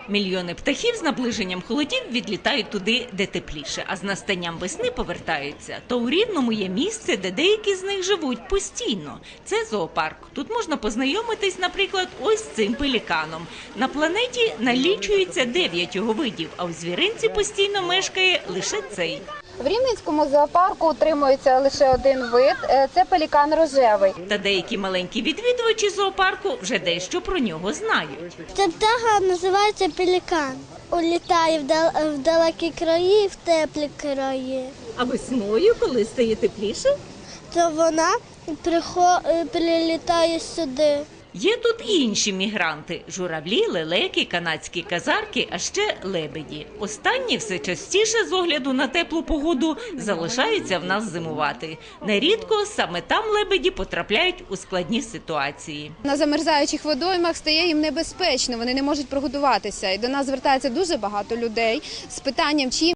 Мільйони птахів з наближенням холодів відлітають туди, де тепліше, а з настанням весни повертаються. То у Рівному є місце, де деякі з них живуть постійно. Це зоопарк. Тут можна познайомитись, наприклад, ось з цим пеліканом. На планеті налічується 9 його видів, а у звіринці постійно мешкає лише цей. В Рівненському зоопарку утримується лише один вид – це пелікан рожевий. Та деякі маленькі відвідувачі зоопарку вже дещо про нього знають. Ця птаха називається пелікан. Улітає в далекі краї, в теплі краї. А весною, коли стає тепліше? То вона прилітає сюди. Є тут і інші мігранти – журавлі, лелеки, канадські казарки, а ще лебеді. Останні все частіше з огляду на теплу погоду залишаються в нас зимувати. Нерідко саме там лебеді потрапляють у складні ситуації. На замерзаючих водоймах стає їм небезпечно, вони не можуть прогодуватися. І до нас звертається дуже багато людей з питанням, чим